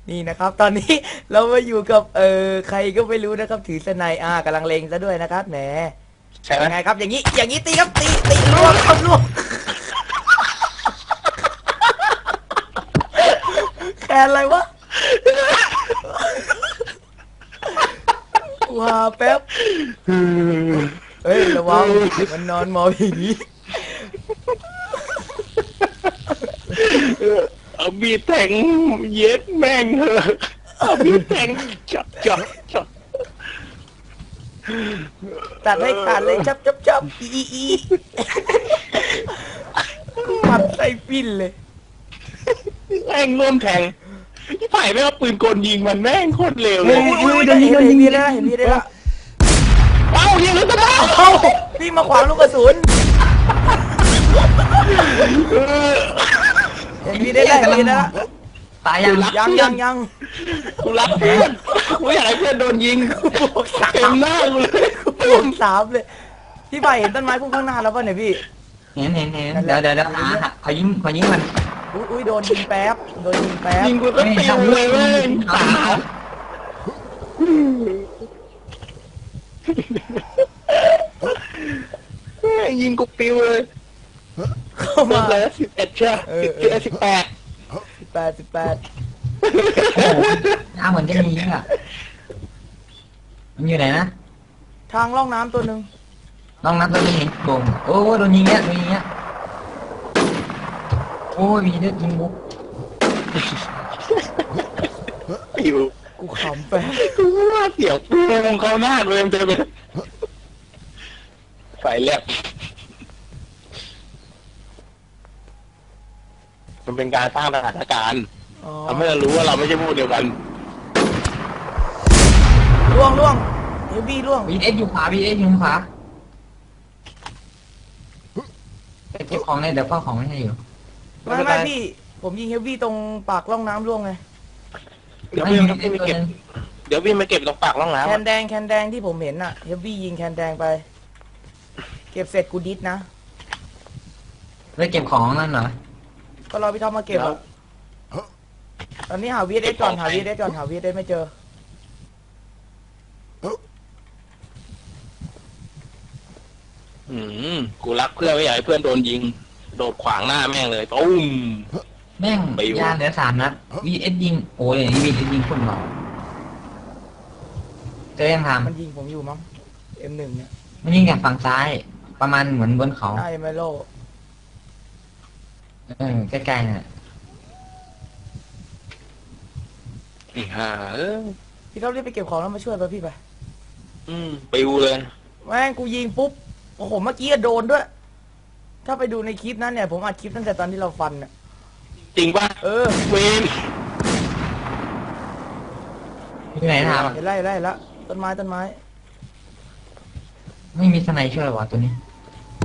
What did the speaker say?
นี่นะครับ ตอนนี้เรามาอยู่กับใครก็ไม่รู้นะครับถือสไนกำลังเลงซะด้วยนะครับแหมใช่ไหมยังไงครับอย่างนี้ตีครับตีล่วงครับล่วงแคนอะไรวะว้าแป๊บเฮ้ยระวังมันนอนมองอย่างนี้เอาบีบแทงเย็ดแม่งเถอะเอาบีบแทงจับตัดให้ขาดเลยจับอีปัดใส่ปิ้นเลยแม่งร่วมแทงที่ไผ่ไม่เอาปืนกลยิงมันแม่งโคตรเร็วเลยอุ้ยเห็นพี่ได้ละเอ้ายิงแล้วก็ได้เอ้าพี่มาขวางลูกกระสุนเห็นพี่ได้ละตายยังยังกูรักเพื่อนกูอยากให้เพื่อนโดนยิงบวกสาเต็มมหน้ากูเลยบวกสามเลยพี่ใบเห็นต้นไม้พุ่งข้างหน้าแล้วป่ะเนี่ยพี่เห็นเดี๋ยวหาขอยิงมันอุ้ยโดนยิงแป๊บยิงกูก็ติวเลยเว้ยตายิงกูปิวเลยเข้ามามาเลย11ใช่18 18 โอ้โหน้าเหมือนจะมีอ่ะมันอยู่ไหนนะทางล่องน้ำตัวหนึ่งลองนับตัวนี้เห็นโกงโอ้โดนยิงเงี้ยโอ้ยมีเลือดยิงบุ๊กปิวกูขำแป๊บกูว่าเสียวปูมเขาหน้าเลยมันจะเป็นไฟแลบมันเป็นการสร้างสถานการณ์อ๋อทำให้เรารู้ว่าเราไม่ใช่พวกเดียวกันล่วงเฮฟวี่ล่วงบีเอสอยู่ขวาไปเก็บของเลยเดี๋ยวเฝ้าของไม่ให้อยู่ไม่พี่ผมยิงเฮฟวี่ตรงปากล่องน้ำล่วงไงเดี๋ยวไม่พี่มีมาเอสตัวเก็บนึงเดี๋ยวพี่มาเก็บตรงปากร่องน้ำแคอะนแดงที่ผมเห็นน่ะเฮฟวี่ยิงแคนแดงไป เก็บเสร็จกูดิสนะไปเก็บของนั่นเหรอก็รอพี่ท็อปมาเก็บอะตอนนี้หาวีเอสก่อนหาวีเอสไม่เจอกูรักเพื่อนไม่อยากให้เพื่อนโดนยิง โดดขวางหน้าแม่งเลยตุ้มแม่งไปอยู่ยาเหลือ3 นัดบีเอสยิงโอ้ยบีเอสยิงคนเบาเจอยังทมันยิงผมอยู่มั้ง M1 เนี่ยำมันยิงจากฝั่งซ้าย ประมาณเหมือนบนเขาได้ไมโลใกล้ๆน่ะฮ่าพี่ท็อปรีบไปเก็บของแล้วมาช่วยไปพี่ไปปิวเลยแม่งกูยิงปุ๊บโอ้โหเมื่อกี้อะโดนด้วย ถ้าไปดูในคลิปนั้นเนี่ยผมอัดคลิปตั้งแต่ตอนที่เราฟันน่ะจริงป่ะเออเวนอยู่ไหนทเห็นไล่ละต้นไม้ำไม่มีสไนช่วยวะตัวนี้